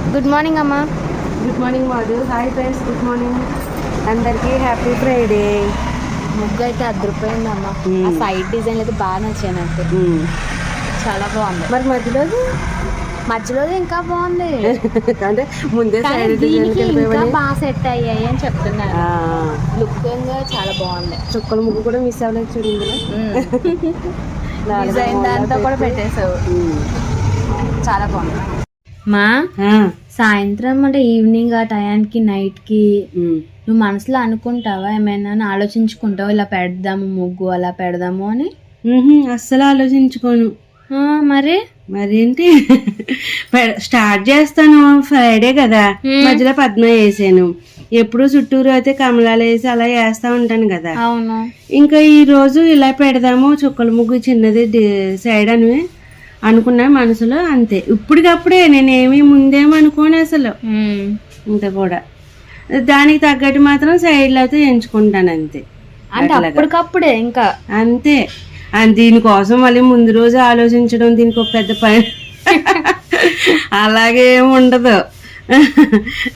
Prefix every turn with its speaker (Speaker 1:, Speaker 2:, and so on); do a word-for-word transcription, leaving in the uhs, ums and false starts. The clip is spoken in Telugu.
Speaker 1: గుడ్ మార్నింగ్ అమ్మా.
Speaker 2: Good morning Madhu. Hi friends, good morning అందరికీ. Happy Friday.
Speaker 1: ముగ్గు అయితే అద్దరిపోయింది అమ్మ. ఆ సైడ్ డిజైన్ అయితే బాగా నచ్చాయి నాకు, చాలా బాగుంది.
Speaker 2: మరి మధ్యలో
Speaker 1: మధ్యలో ఇంకా బాగుంది
Speaker 2: అంటే ముందే
Speaker 1: కానీ
Speaker 2: సైడ్ డిజైన్
Speaker 1: దీనికి ఇంకా బాగా సెట్ అయ్యాయి అని చెప్తున్నారు. లుక్ చాలా బాగుంది.
Speaker 2: చుక్కల ముగ్గు కూడా మిస్ అవ్వలేదు చూడండి.
Speaker 1: డిజైన్ దాంతో కూడా పెట్టేసావు, చాలా బాగుంది. మా సాయంత్రం అంటే ఈవినింగ్ ఆ టయానికి నైట్ కి నువ్వు మనసులో అనుకుంటావా ఏమైనా, ఆలోచించుకుంటావా ఇలా పెడదాము ముగ్గు అలా పెడదాము అని?
Speaker 2: అస్సలు ఆలోచించుకోను.
Speaker 1: మరి
Speaker 2: మరేంటి స్టార్ట్ చేస్తాను. ఫ్రైడే కదా, మధ్యలో పద్మ వేసాను. ఎప్పుడు చుట్టూరు అయితే కమలాలు వేసి అలా వేస్తా ఉంటాను కదా.
Speaker 1: అవును.
Speaker 2: ఇంకా ఈ రోజు ఇలా పెడదాము చుక్కల ముగ్గు చిన్నది సైడ్ అని అనుకున్నా మనసులో. అంతే, ఇప్పటికప్పుడే నేనేమి ముందేమనుకోను అసలు. ఇంత కూడా దానికి తగ్గట్టు మాత్రం సైడ్లో అయితే ఎంచుకుంటాను అంతే.
Speaker 1: అంటే అప్పటికప్పుడే ఇంకా
Speaker 2: అంతే. దీనికోసం మళ్ళీ ముందు రోజు ఆలోచించడం దీనికి ఒక పెద్ద పని అలాగే ఉండదు.